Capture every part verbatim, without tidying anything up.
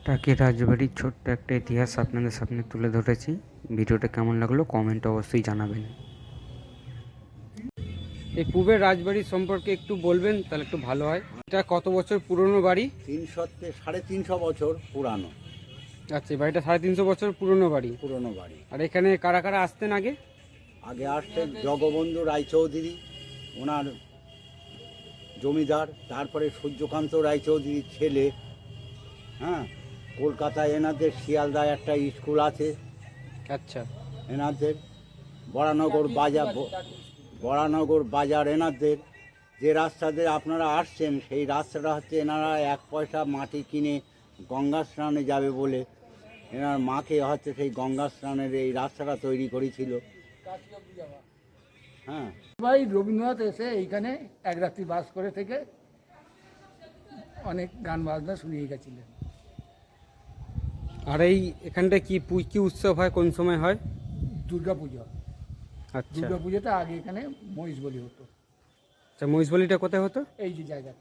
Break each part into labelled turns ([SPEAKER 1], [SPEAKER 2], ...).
[SPEAKER 1] টাকি রাজবাড়ির ছোট্ট একটা ইতিহাস আপনাদের সামনে তুলে ধরেছি। ভিডিওটা কেমন লাগলো কমেন্টে অবশ্যই জানাবেন। এই পূবের রাজবাড়ির সম্পর্কে একটু বলবেন তাহলে একটু ভালো হয়। এটা কত বছর পুরনো বাড়ি?
[SPEAKER 2] তিনশো সাড়ে তিনশো বছর পুরানো।
[SPEAKER 1] আচ্ছা, এই বাড়িটা সাড়ে তিনশো বছর পুরনো বাড়ি।
[SPEAKER 2] পুরনো বাড়ি।
[SPEAKER 1] আর এখানে কারা কারা আসতেন আগে?
[SPEAKER 2] আগে আসতেন জগবন্ধু রায়চৌধুরী, ওনার জমিদার। তারপরে সূর্যকান্ত রায়চৌধুরীর ছেলে। হ্যাঁ, কলকাতায় এনাদের শিয়ালদায় একটা স্কুল আছে।
[SPEAKER 1] আচ্ছা,
[SPEAKER 2] এনাদের বরানগর বাজার, বরানগর বাজার এনাদের। যে রাস্তা দিয়ে আপনারা আসছেন সেই রাস্তাটা হচ্ছে এনারা এক পয়সা মাটি কিনে গঙ্গা স্নানে যাবে বলে এনার মাকে হচ্ছে সেই গঙ্গা স্নানের এই রাস্তাটা তৈরি করেছিল। হ্যাঁ,
[SPEAKER 3] ভাই রবীন্দ্রনাথ এসে এইখানে এক রাত্রি বাস করে থেকে অনেক গান বাজনা শুনিয়ে গেছিলেন।
[SPEAKER 1] আর এই এখানটা কি পু- কি উৎসব হয়, কোন সময় হয়?
[SPEAKER 3] দুর্গা পুজো।
[SPEAKER 1] আচ্ছা
[SPEAKER 3] দুর্গা পুজোতে আগে এখানে মহিষ বলি হতো,
[SPEAKER 1] আচ্ছা, মহিষবলিটা কোথায় হতো?
[SPEAKER 3] এই যে জায়গাতে।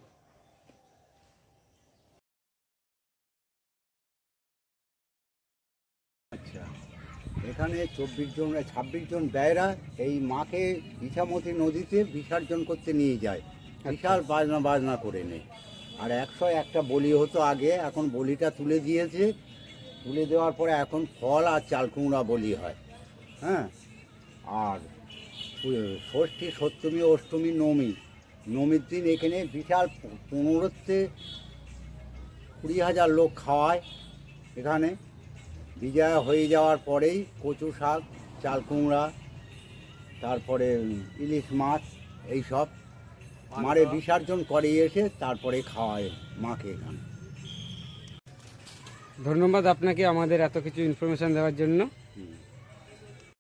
[SPEAKER 2] আচ্ছা, এখানে চব্বিশ জন ছাব্বিশ জন ব্যয়রা এই মাকে ইছামতি নদীতে বিসর্জন করতে নিয়ে যায়, বিশাল বাজনা বাজনা করে নেয়। আর একশো একটা বলি হতো আগে, এখন বলিটা তুলে দিয়েছে। তুলে দেওয়ার পরে এখন ফল আর চাল কুমড়া বলি হয়। হ্যাঁ, আর ষষ্ঠী, সপ্তমী, অষ্টমী, নবমী, নবমীর দিন এখানে বিশাল পনেরোতে কুড়ি হাজার লোক খাওয়ায়। এখানে বিজয়া হয়ে যাওয়ার পরেই কচু শাক, চাল কুমড়া, তারপরে ইলিশ মাছ এইসব মারে বিসর্জন করে এসে তারপরে খাওয়ায় মাকে এখানে।
[SPEAKER 1] ধন্যবাদ আপনাকে আমাদের এত কিছু ইনফরমেশন দেওয়ার জন্য।
[SPEAKER 2] হুম।